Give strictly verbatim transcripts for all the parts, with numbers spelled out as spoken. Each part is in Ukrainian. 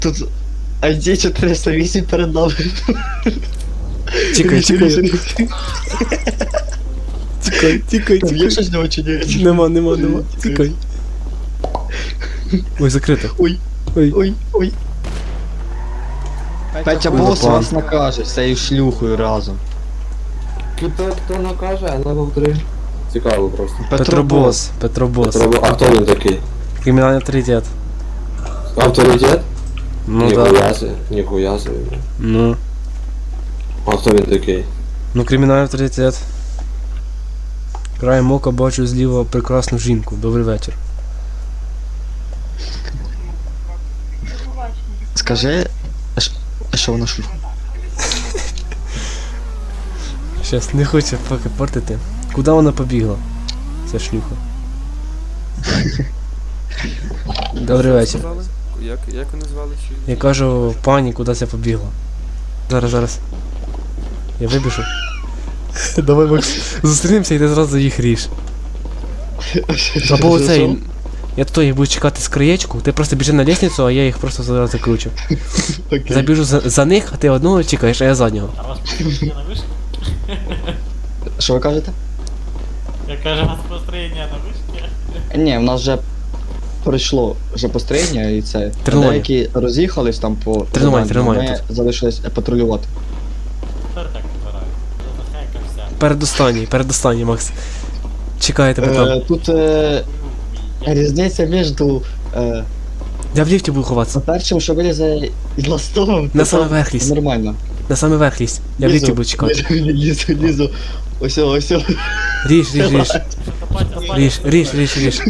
Тут ай ді чотириста вісім перед нами. Тікай, тікай. Тікай, тікай, Там є тікай. щось з нього чи ні? Нема, нема, нема. Тікай. Ой, закрито. Ой, Ой. ой, ой. Петя Ой, бос запал. вас накаже з цією шлюхою разом. Хто, хто накаже, а на повтори. Цікаво просто. Петробос, Петробос. Петро, а хто він такий? Кримінальний авторитет. Авторитет? Ну да. Ніхуя себе, ніхуя себе. Ну. А хто він такий? Ну, кримінальний авторитет. Краєм ока бачу зліва прекрасну жінку. Добрий вечір. Скажи, а ш- а що вона шлюха? Щас, не хоче поки портити. Куди вона побігла? Ця шлюха. Добрий вечір. Як, як вони звали? Чи... Я кажу, пані, куди це побігла? Зараз, зараз. Я вибіжу. Давай, Макс, зустрінемося і ти зразу їх ріж. Або оцей. Я тут їх буду чекати з краєчку, ти просто біжи на лестницю, а я їх просто зараз закручу. Окей. Забіжу за, за них, а ти одного чекаєш, а я заднього. А вас построєння на вишці? Що ви кажете? Я кажу, у вас построєння на вишці? Ні, в нас вже пройшло вже построєння і це. Тренування. Деякі роз'їхались там по Тренування, заданню, тренування Ми залишились патрулювати. Тепер так збираю. Захекався. Передостанній, передостанній, Макс. Чекаю тебе Е, там. тут е, різниця між е, Я в ліфті буду ховатися. першим, що вилізе із ластовим, На то саме там верх лізь. нормально. На самий верх лізь. Я в ліфті буду чекати. Лізу, лізу. Ось, ось. Ріж, ріж, ріж. Стопайте, Ріж, ріж, ріж, ріж.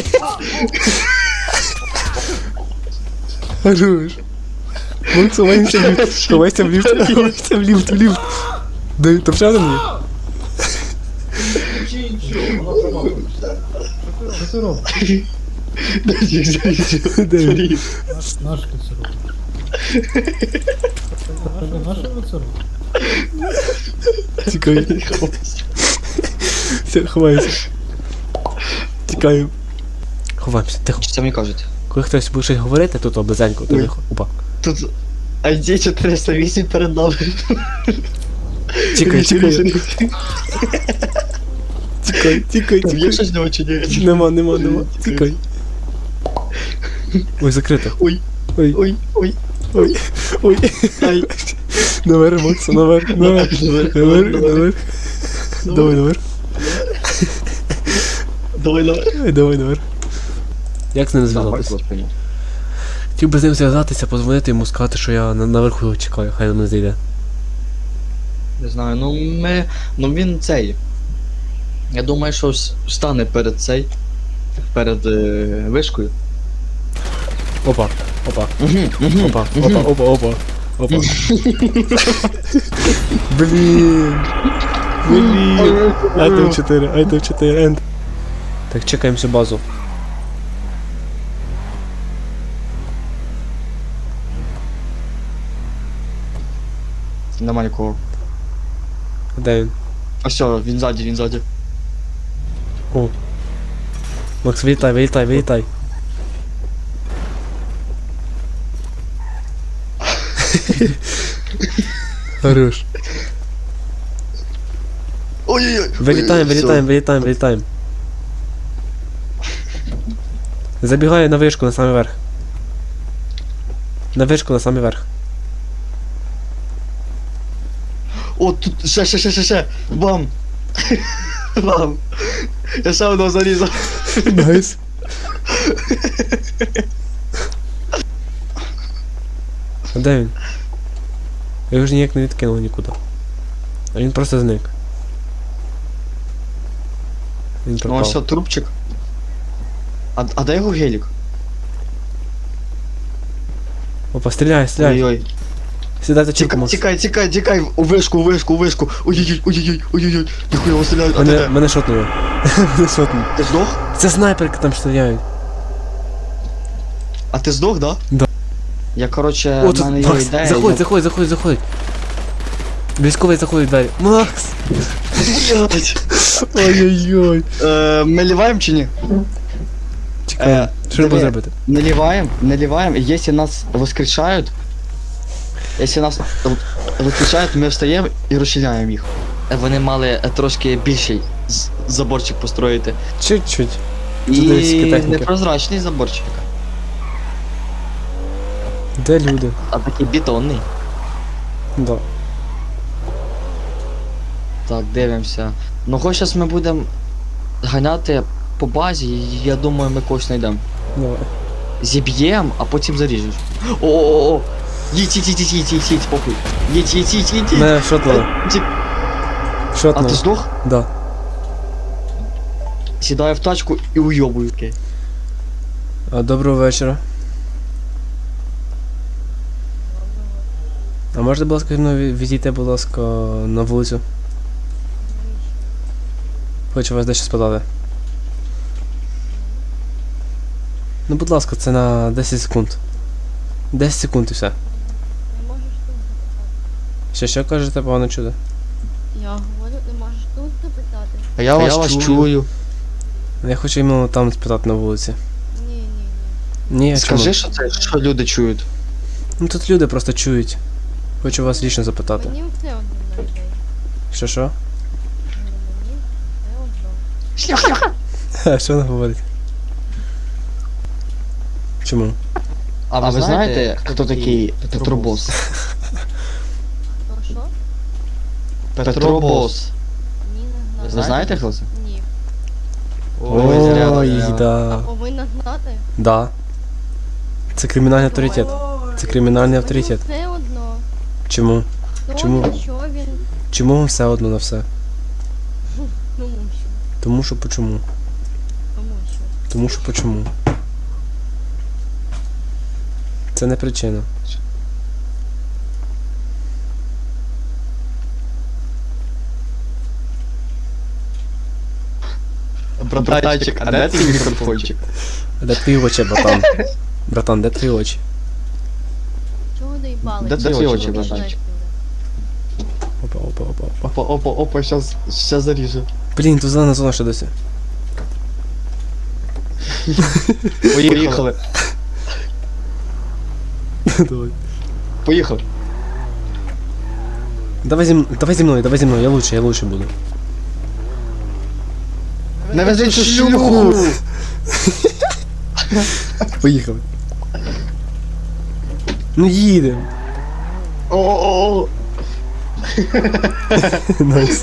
Хорош. Макс, ховайся в ліфт. Ховайся в ліфт. Ховайся в ліфт, в ліфт. Дай, там ще один є? Де він? Наш коцерок. Наш коцерок. Тікай. Все, ховайся. Тікаємо. Ховаємося, тихо. Що це мені кажуть? Коли хтось буде щось говорити, тут близенько, то Ой. тихо. Опа. Тут ай ді чотириста вісім перед нами. Тікай, тікай. Тікай, тікай, Там є тікай. щось з нього чи ні? Нема, нема, нема. Тікай. Ой, закрито. Ой, Ой, ой, ой. ой, ой. Ай. Наверх, Макс, наверх, наверх. Наверх, Наверх, наверх. наверх. Давай, наверх. Давай, давай. Ай, давай, наверх. Як з ним зв'язатися? Хотів би з ним зв'язатися, позвонити йому, сказати, що я на- наверху його чекаю, хай він не зайде. Не знаю, ну ми. Ну він цей. Я думаю, що с- стане перед цей. Перед е, вишкою. Опа, опа, Угу, угу. опа, опа, опа, опа, опа. Блін. Блін. Айтем чотири, айтем чотири, енд. Так, чекаємо всю базу. Нема нікого. Де він? А все, він ззаді, він ззаді. О. Макс, вилітай, вилітай, вилітай. Хорош. Ой-ой-ой. Вилітаємо, Ой, вилітаємо, вилітаємо, вилітаємо. Забігаю на вишку, на самий верх. На вишку, на самий верх. О, тут ще, ще, ще, ще, ще. Бам. Бам. Я ще одного зарізав. Найс. А де він? Я його ж ніяк не відкинув нікуди. А він просто зник. Він Ну ось пропав. що, трубчик. А, а де його гелік? Опа, стріляй, стріляй. Ой-ой. Сідай за чіпку, Тікай, Макс. тікай, тікай, тікай, у вишку, у вишку, у вишку. Ой-ой-ой, ой-ой-ой, ой-ой-ой. Ніхуя його стріляють, а ти Мене, де? мене шотнули. Мене шотнули. Ти здох? Це снайперки там стріляють. А ти здох, да? Да. Я, короче, О, в мене тут є Макс, ідея. заходь, я- заходь, заходь, заходь. Військовий заходить в двері. Макс! Блядь. Ой-ой-ой. Е, Ми ліваємо чи ні? Чекаємо. Що не диви, зробити? Наливаем, наливаем, и если нас воскрешают, если нас в- воскрешают, ми встаємо і розчиняємо їх. Е, Вони мали е, трошки більший з- заборчик построїти. Чуть-чуть. І десь скільки техніки. непрозрачний заборчик, Де люди? а такий бетонний. Да. Так, дивимося. Ну хоч зараз ми будемо ганяти по базі, і я думаю, ми когось знайдемо. Давай. Зіб'єм, а потім заріжеш. О-о-о! Їдь, їдь, їдь, їдь, їдь, їдь, їдь, похуй. Їдь, їдь, їдь, їдь, їдь. Не, шотнуло. Ті- А Шотнуло. ти здох? Да. Сідаю в тачку і уйобую. Окей. А, доброго вечора. А можете, будь ласка, зі мною ві- відійти, будь ласка, на вулицю? Хочу вас дещо спитати. Ну, будь ласка, це на десять секунд. десять секунд і все. Не можеш тут запитати. Що, що кажете, погано чути? Я говорю, не можеш тут запитати. А я вас чую. Я хочу іменно там спитати на вулиці. Ні, ні, ні. Ні, Скажи, чому? що це, що люди чують. Ну тут люди просто чують. Хочу вас лічно запитати. Мені все одно на людей. Що що? Говорю, мені все одно. Ха, що вона говорить? Чому? А ви знаєте, хто такий Петробос? То що? Петробос. Ні, не Ви знаю. знаєте, хто це? Ні. Ой, зря, Ой, зря. А да. повинна знати? Да. Це кримінальний авторитет. Це кримінальний авторитет. Мені все одно. Чому? Хто Чому? він, що він? Чому вам все одно на все? Тому що. Тому що почому? Тому що. Тому що почому? Це не причина. Братанчик, а де твій мікрофончик? Де твої очі, братан? Братан, де твої очі? Чого доїбали? Де твої очі, братанчик? Опа, опа, опа, опа. Опа, опа, опа, щас, щас заріжу. Блін, тут зелена зона ще досі. Поїхали. Давай. Поїхали. Давай зі, м- давай зі мною, давай зі мною, я лучше, я лучше буду. Не вези цю шлюху! Поїхали. Ну їдемо. О-о-о! Найс.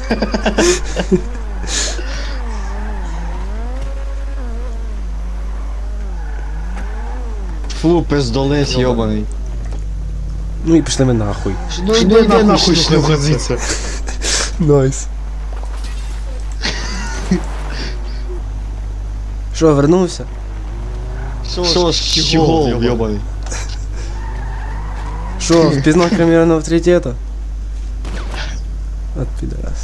Фу, пиздолець йобаний. Ну і пішли ми нахуй. Ну йди нахуй шлюха звідси. Найс. Що, вернувся? Що ж, щегол йобаний. Що, впізнав кримінального авторитета? От підарас.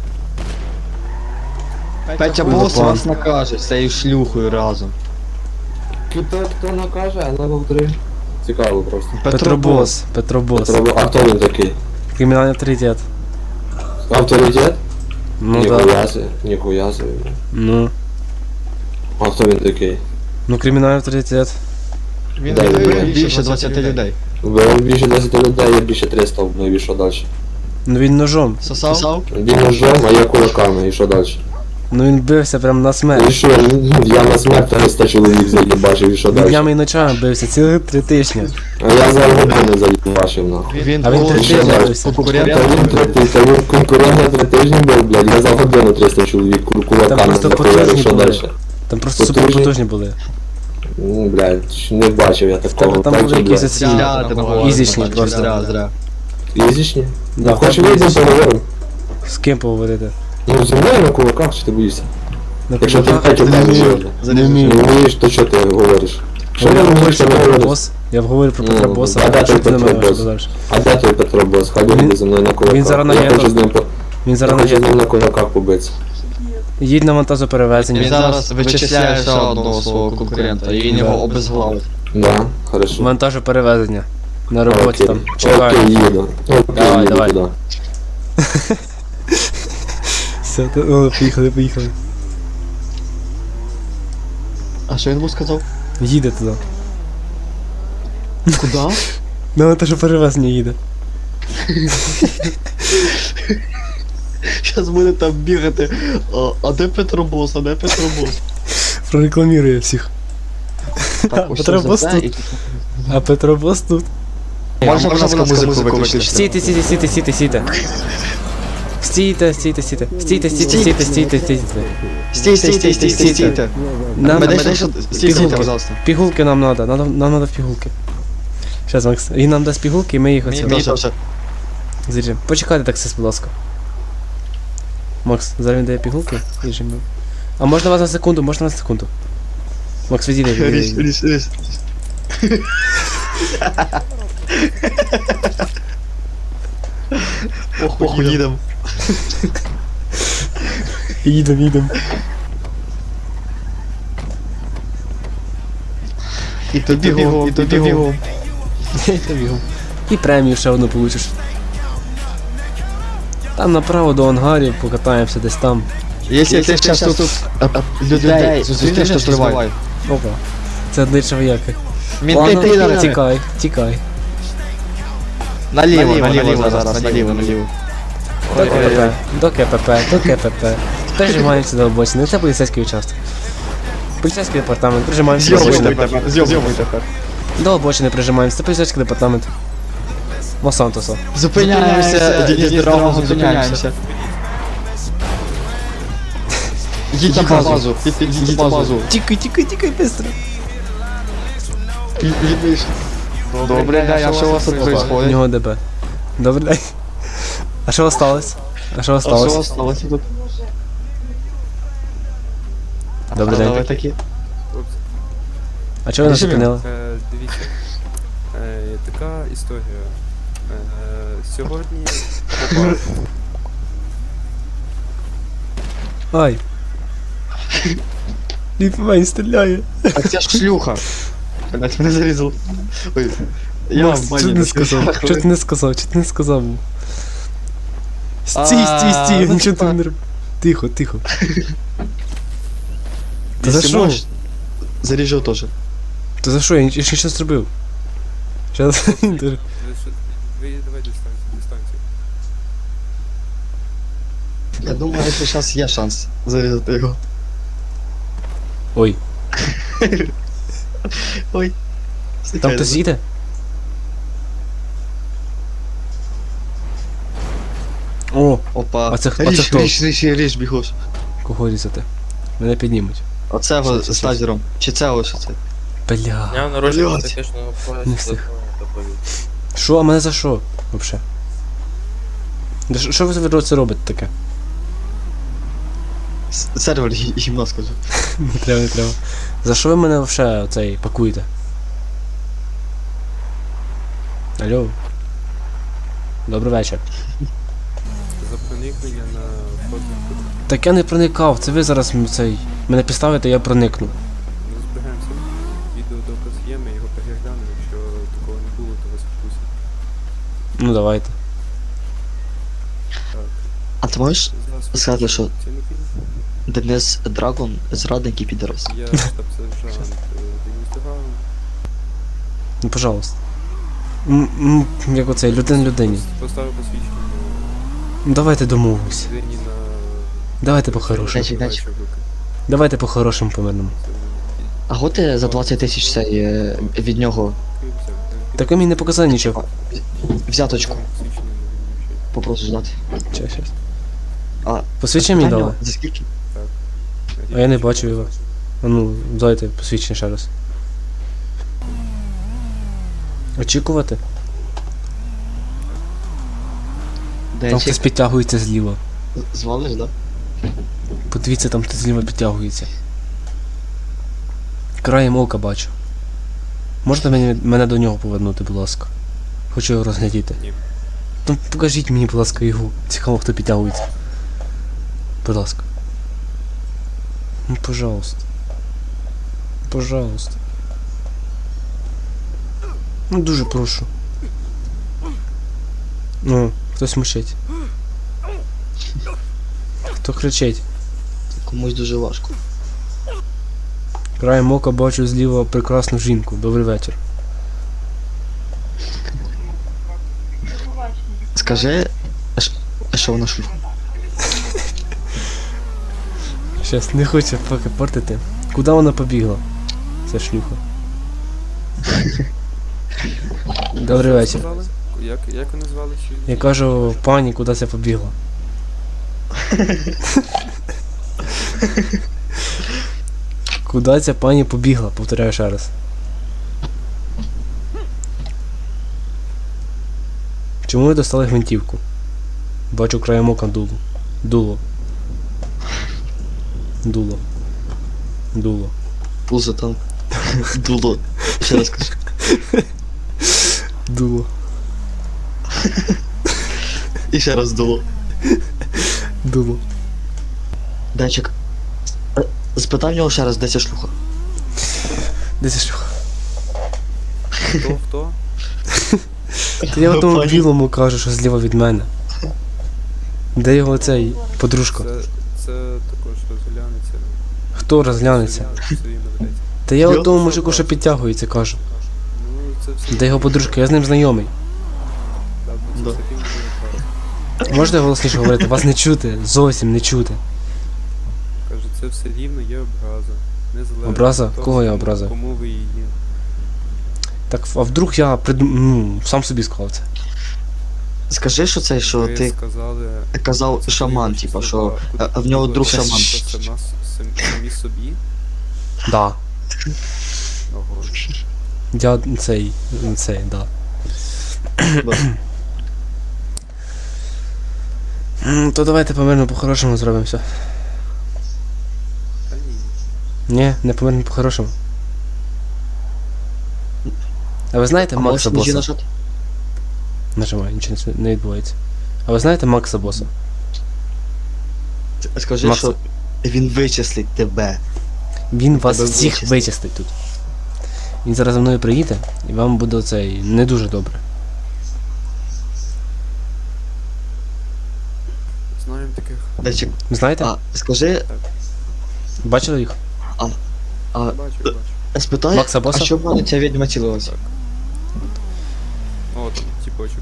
Петя Ой, бос запан. вас накаже з цією шлюхою разом. Хто, хто накаже, а ну повтори. Цікаво просто. Петробос, Петробос. Треба- А хто він такий? Кримінальний авторитет. Авторитет? Ну да. Ніхуя собі, ніхуя собі. Ну. А хто він такий? Ну кримінальний авторитет. Він Да, вбив він більше двадцяти людей. Вбив більше десять людей, я більше триста вбив, і що далі? Ну він ножом. Сосав? Він ножом, а я кулаками, і що далі? Ну він бився прям на І смерть. що, я на смерть триста чоловік заїбачив, і що Він далі? днями і ночами бився, цілих три тижні. А я за годину заїбачив, нахуй. Він А він три ще тижні раз. бився. Та конкурент. він три ти- та він конкурент на три тижні був, блядь, я за годину триста чоловік кул- кулаками просто захуярив, потужні що були. далі? Там просто Потужні. супер потужні були. Ну, блядь, не бачив я такого. тебе там так, були що, якісь блядь. оці Зря ти говориш, ізічні бачиш, просто. Зря, зря. Ізічні? Да, Ну, хоч так, вийдемо, ізічні. поговоримо. З ким поговорити? Ну, зі мною на кулаках, чи ти боїшся? На Якщо ти кулаках? Петю Не кажеш, вмію. що Не не вмію. вмієш, то що ти говориш? Що Я ти говорю вмієш, про що говориш? Петробос. Я говорю про Ну, Петробоса, а де а що той ти не маєш Петробос? далі? А де той Петро Бос? Хай Він- буде зі мною на кулаках. він зараз на Я гетто. хочу з ним по- Він я зараз на хочу з є. ним на кулаках побитися. Їдь на вантажоперевезення. Він зараз вичисляє ще одного свого конкурента, і він Да. його обезглавить. Да, хорошо. Вантажоперевезення. На роботі Окей. там. Чекаю. Окей, їду. Окей, Давай, їду давай. туди. Все, то- о, поїхали, поїхали. А що він був сказав? Їде туди. Куда? Ну, те, що перевез не їде. Зараз буде там бігати. А, а де Петробос, а де Петробос? Прорекламірує всіх. Так, ось Петробос це, тут. і А Петробос тут. Можна, будь ласка, музику виключити? Стійте, стійте, стійте, стійте, стійте. Стійте, стійте, стійте. Стійте, стійте, стійте, стійте, стійте. Стійте, стійте, стійте, стійте. Нам Мене ще стійте, пігулки. пожалуйста. Пігулки нам надо, нам, нам надо в пігулки. Щас, Макс, він нам дасть пігулки, і ми їх Мені оце теж. зріжемо. Почекайте таксист, будь ласка. Макс, зараз він дає пігулки, ріжемо. А можна вас на секунду, можна на секунду. Макс, відійди, Ріж, відійди. ріж, ріж. Ох, ох, їдем. Їдем, їдем. І тобі бігом, і тобі бігом. І премію ще одну получиш. Там направо до ангарів покатаємося десь там. Якщо ти зараз тут а, людей зустрінеш, то сливай. Опа. Це обличчя вояки. Мінти Ладно, підари. тікай, тікай. Наліво, наліво зараз, наліво, наліво. До КПП, до КПП, до КПП. Прижимаємося до обочини. Це поліцейський участок. Поліцейський департамент, прижимаємося до обочини. Зйомуй тепер. До обочини прижимаємося, це поліцейський департамент. Лос-Сантоса. Зупиняємося, дідьсь дорогу, зупиняємося. Їдь на базу, їдь на базу. Тікай, тікай, тікай, быстро. Добре, а що у вас тут У происходит? нього ДБ. Добре, дай. А що осталось? А що А що осталось? осталось тут? Добрий А, день. ви такі. Хлопці, А чого ви нас Режимі. зупинили? е, дивіться. Е, така історія. Е, сьогодні попав. Ай. Ліпмень стріляє. А це ж шлюха. Блять, мене зарізав. Ой. Я Макс, в що бані ти не десь сказав? лежав. Що ти не сказав? Що ти не сказав? Стій, А, стій, стій, ну, нічого ти типа- не роб. Тихо, тихо. Та за Якщо що? можеш, заріжу теж. Та за що? Я ніч- я ж нічого не зробив. Щас. Ви що- ви давай дистанцію, дистанцію. Я думаю, що зараз є шанс зарізати його. Ой, Ой. там хтось їде? О, Опа. А це- а це ріж, хто? ріж, ріж, ріж, бігош. кого різати? Мене піднімуть. Оце його Що це, з що тазером. Чи це ось оце? Бля. Я народження Блядь. технічного Не поясу встиг. доповідь. Що, а мене за що? Вообще? Да що- Що ви це робите таке? С- Сервер гі- гімна скажу. Не треба, не треба. За що ви мене вообще оцей пакуєте? Алло. Добрий вечір. За проникнення на фото. Так я не проникав, це ви зараз м- цей. Мене підставите, я проникну. Ми зберемося. Відеодоказ є, ми його переглянемо. Якщо такого не було, то вас відпустять. Ну давайте. Так. А ти можеш Зараз сказати, виключу. що Це не фільм. Денис Драгон зрадник і підрос? Я штаб-сержант е, Денис Дуган. Ну пожалуйста. М, м, Як оцей, людин людині. Поставив посвідчення Ну давайте домовимось. людині на... Давайте по-хорошому. Дачі, дачі. Давайте по-хорошому по мирному. А го ти за двадцять тисяч цей е, від нього Так ви мені не показали нічого. взяточку попросиш дати? Щас, щас. А, Посвідчення мені питання, дали? За скільки? А я не бачу його. А ну, дайте посвідчення ще раз. Очікувати? Де Там чек? хтось підтягується зліва. Звалиш, да? Подивіться, там хтось зліва підтягується. Краєм ока бачу. Можете мені, мене до нього повернути, будь ласка? Хочу його розглядіти. Ні. Ну покажіть мені, будь ласка, його. Цікаво, хто підтягується. Будь ласка. Ну, пожалуйста. Пожалуйста. Ну, дуже прошу. Ну, хтось мучить. Хто кричить? Комусь дуже важко. Краєм ока бачу зліва прекрасну жінку. Добрий вечір. Скажи, а ш- а що вона шлюха? Щас не хоче поки портити. Куди вона побігла? Це шлюха. Добрий вечір. Сказали? Як, як вони звали? Чи... Я кажу, пані, куди це побігла? Куди ця пані побігла? Повторяю ще раз. Чому ви достали гвинтівку? Бачу краєм ока дуло. Дуло. Дуло. Дуло. Пузо там. Дуло. Ще раз кажу. Дуло. І ще раз дуло. Дуло. Денчик. е, Спитай в нього ще раз, де ця шлюха. Де ця шлюха? Хто, хто? Та я в тому Пані. білому кажу, що зліва від мене. Де його цей подружка? Це, це також розглянеться. Хто розглянеться? Своїм наведеться. Та я Йо. в тому мужику, що підтягується, кажу. Ну, це все. Де його подружка? Я з ним знайомий. Так, бо Да. це все рівно буде правда. Можете голосніше говорити? Вас не чути, зовсім не чути. Каже, це все рівно є образа. Незалежно Образа? від того, Кого я кому- образа? Кому ви її. Так, а вдруг я придум... ну, сам собі сказав це. Скажи, що це, що Ви ти сказали... казав це шаман, ваші типа, слова. що Куди- е, в нього куди друг ви шаман. просто сама с- сам- самі собі? Да. Ого. Я цей, цей, да. М, То давайте помирно по-хорошому зробимо все. Та ні. Ні, не помирно по-хорошому. А ви знаєте А Макса можеш ножі Боса? нажати? Нажимаю, нічого не с- не відбувається. А ви знаєте Макса Боса? Скажи, Макс. що він вичислить тебе. Він вас Тебе всіх вичистить. вичистить тут. Він зараз за мною приїде, і вам буде оцей не дуже добре. Знаємо таких. Денчик, Ви знаєте? а скажи, Бачили їх? а Бачу, бачу. спитай, Макса а Боса? що в мене ця відьма цілилася? О, там тіпочок.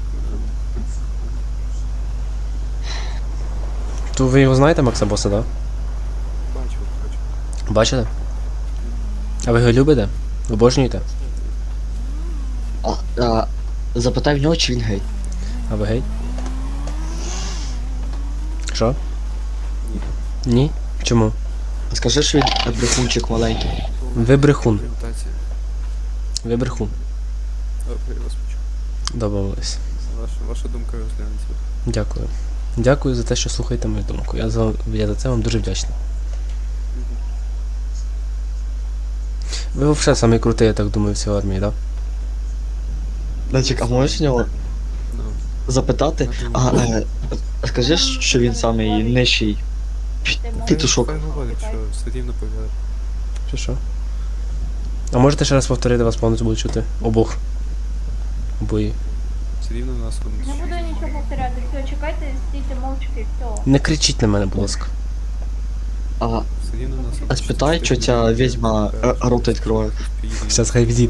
То ви його знаєте, Макса Боса, так? Да? Бачу, бачу. Бачите? А ви його любите? Обожнюєте? А, а, запитай в нього, чи він гей. А ви гей? Що? Ні? Чому? Скажи, що він брехунчик маленький. Ви брехун. Орієнтація. Ви брехун. Добре, я вас почув. Домовились. Ваша, ваша думка розглянеться. Дякую. Дякую за те, що слухаєте мою думку. Я за, я за це вам дуже вдячний. Ви взагалі самий крутий, я так думаю, в цій армії, так? Денчик, а можеш в нього Ну, запитати? А, е, скажи, що він самий нижчий пітушок. хай говорить, що все рівно повірить. Чи що? А можете ще раз повторити, вас повністю буду чути? Обох. Обої. Все рівно нас Не вони. буду нічого повторяти, все, чекайте, стійте мовчки, все. Не кричіть на мене, будь ласка. А, Все рівно нас. а спитай, що ця відьма е, рот відкриває. Зараз хай відійде.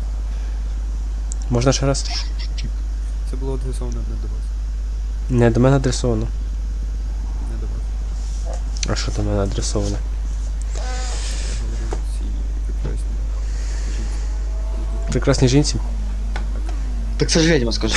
Можна ще раз? Це було адресовано не до вас. Не, до мене адресовано. Не до вас. А що до мене адресовано? Я говорю цій прекрасній жінці. Прекрасній жінці? Так це ж відьма, скажи.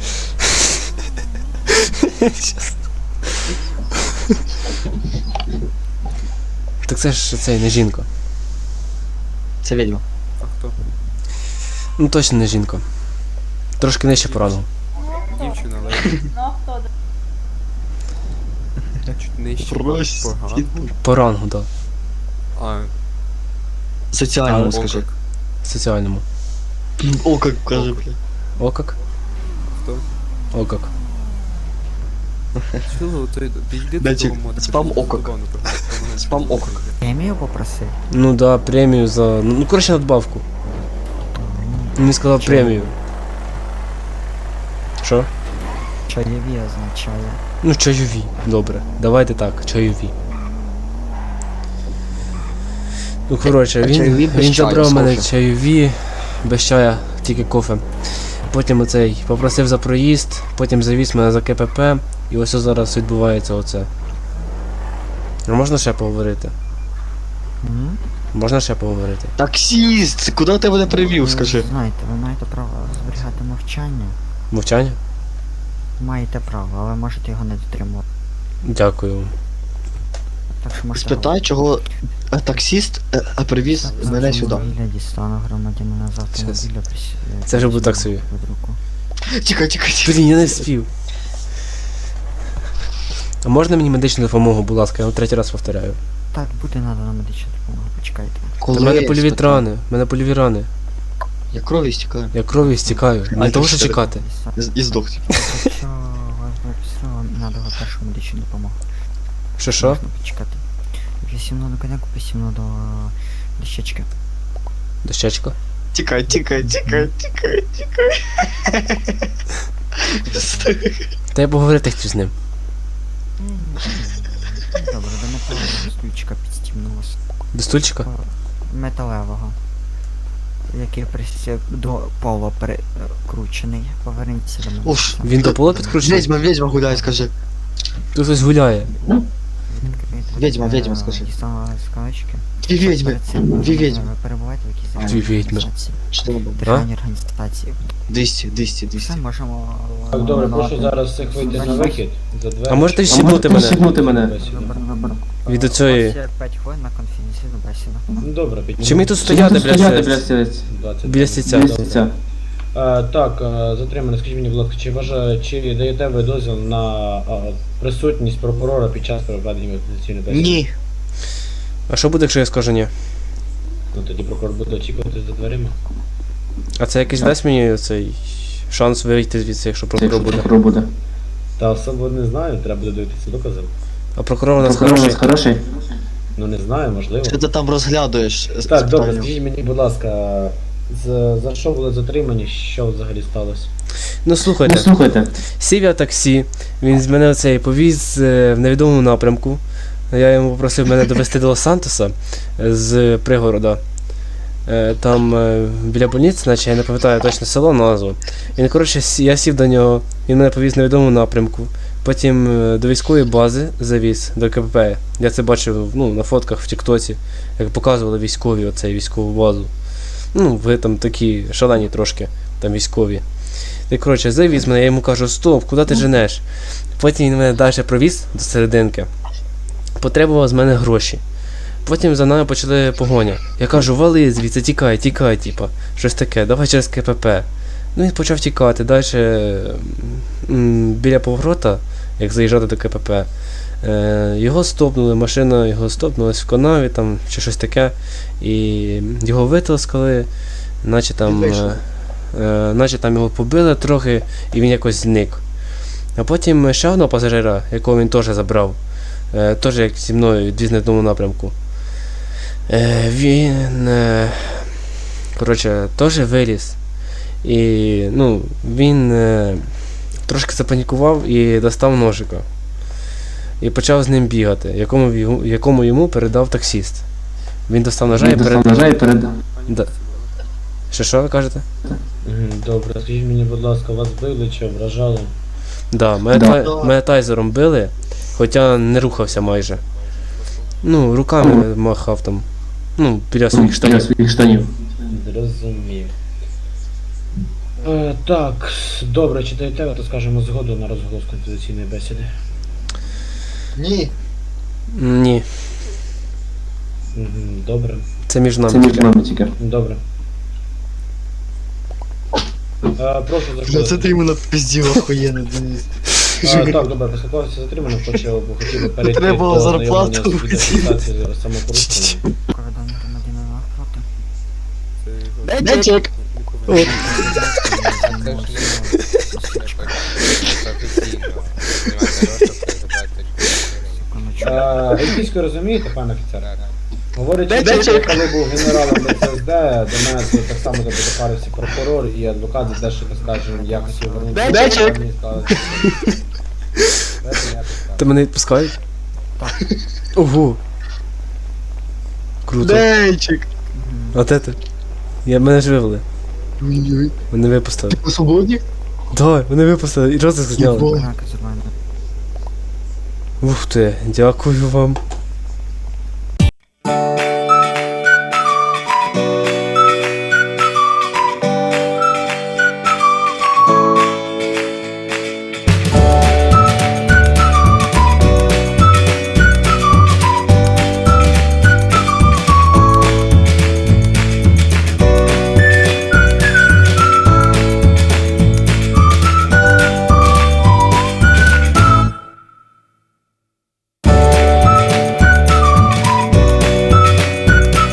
Так це ж цей, не жінка. Це відьма. А хто? Ну точно не жінка. Трошки нижче поранив. Дівчина, але Ну а хто? чуть нижче. Прості. Погано. По рангу, так. А, Соціальному, А, скажи. Соціальному. О, як каже, бля. О как? хто? О как? Чого ти підійди до Датчик, того моду. спам кажи, окок. забавно, правда. Спам окок. Премію попросив? Ну да, премію за. Ну коротше надбавку. Він сказав премію. Що? Чайові означає. Ну, чайові. Добре. Давайте так, чайові. Ну коротше, А він, чайові без він чаю, забрав з мене кофе. чайові, без чая, тільки кофе. Потім оцей попросив за проїзд, потім завіз мене за КПП, і ось зараз відбувається оце. А можна ще поговорити? М? Можна ще поговорити? Таксіст! Куди ти мене привів, Ви скажи? Знаєте, ви маєте право зберігати мовчання. Мовчання? Маєте право, але можете його не дотримувати. Дякую. Так що можете Спитай, чого е, таксіст е, е, привіз говорити. мене сюди. Автомобіля дістану громадянина з автомобіля. прис- Це вже буде так присягну собі. під руку. Тікай, тікай, тікай. Блін, я не вспів. А можна мені медичну допомогу, будь ласка, я вам третій раз повторяю. Так, буде надана медична допомога, почекайте. Коли У мене я польові спитав? рани, в мене польові рани. Я крові стікаю. Я кров'ю стікаю. А Не ти того, що що? чекати. І- І здох. типу. Якщо вас виписали, надала першу медичну допомогу. Що що? Можна почекати. Вісімно до коняку, вісімно до дощечки. Дощечко? Тікай, тікай, тікай, тікай, тікай. Та я поговорити хотів з ним. Добре, до металевого стульчика підстімнулося. До стульчика? Металевого. Який присі... до пола перекручений. Поверніться до мене. Ош. Він до пола підкручений? Ведьма, ведьма гуляє, скажи. Тут хтось гуляє. Відкрийте, Відьма, е, відьма, скажи. Дістала скалочки. Дві ведьми, Перед цим, дві е, ведьми. Ви перебуваєте в якійсь Дві державній відьми. організації? Що там було? Державній організації. двісті, двісті, двісті. Все, можемо... Так, добре, ламати. прошу зараз всіх вийти на вихід. За двері. А можете відсібнути мене мене? Добре, добре. від У оцієї. вас є п'ять хвилин на конфіденційну бесіду. Ну добре, піднімемо. Чи мені тут стояти, блядь, двадцять біля стільця? Добре. Е, так, е, затримане, скажіть мені, будь ласка, чи вважає, чи даєте ви дозвіл на е, присутність прокурора під час проведення конфіденційної бесіди? Ні. А що буде, якщо я скажу ні? Ну тоді прокурор буде очікувати за дверима. А це якийсь дасть мені цей шанс вийти звідси, якщо прокурор буде? Та особо не знаю, треба буде дивитися докази. А прокурор у нас хороший? хороший? Ну не знаю, можливо. Що ти там розглядуєш? з- Так, з добре, питанням? скажіть мені, будь ласка, за, за що були затримані, що взагалі сталося? Ну слухайте, слухайте. сів я в таксі, він з мене оцей повіз е, в невідомому напрямку. Я йому попросив мене довести до Лос-Сантоса е, з пригорода. Е, Там е, біля больниці, наче я не пам'ятаю точно село, назву. Він, коротше, сі- я сів до нього, він мене повіз в невідомому напрямку. Потім е, до військової бази завіз, до КПП. Я це бачив ну, на фотках в Тіктоці, як показували військові оцей військову базу. Ну, ви там такі шалені трошки, там військові. І, коротше, завіз мене, я йому кажу, стоп, куди ти женеш? Потім він мене далі провіз до серединки. Потребував з мене гроші. Потім за нами почали погоня. Я кажу, вали звідси, тікай, тікай, типа, щось таке, давай через КПП. Ну він почав тікати. Далі м, біля поворота, як заїжджати до КПП, е, його стопнули, машина його стопнулась в канаві там, чи щось таке. І його витискали, наче там, е, е, наче там його побили трохи, і він якось зник. А потім ще одного пасажира, якого він теж забрав, е, теж як зі мною відвіз на одному напрямку. Е, він, е, коротше, теж виліз. І, ну, він е, трошки запанікував і достав ножика. І почав з ним бігати, якому, йому- якому йому передав таксіст. Він достав ножа і передав. Да. Що, що ви кажете? Мгм, добре, скажіть мені, будь ласка, вас били чи ображали? Да, мене, та- мене тайзером били, хоча не рухався майже. Ну, руками махав там. Ну, біля своїх штанів. Зрозумів. Е, так, добре, чи даєте ви, то скажемо згоду на розголос конфіденційної бесіди? Ні. Ні, Мгм, добре, це між нами. тільки. добре. Е, прошу Бля, це заходити. ти йому пиздів охуєнно, Денис. А, так, добре, поспілкувався затримано, хочу, хотів би перейти Треба було до зарплату знайомлення з відеофіксацією самопорушення. Кордон громадянина навпроти. Це його Денчик! не повинен. Е, Ельфійською розумієте, пане офіцер? Говорить, Денчик! що коли був генералом БЦСД, до мене тут так само допарився прокурор і адвокат за те, що, так скажемо, якось повернути. Денчик! Мені сказали, що- Дайте мені якось так. Ти мене відпускають? Ого. Круто. Денчик! Мгм. А де ти? Я мене ж вивели. Ой-ой. Мене випустили. Ти свободник? Давай, мене випустили і розиск зняли. Єбо. Коняка зірвана. Ух ти, дякую вам.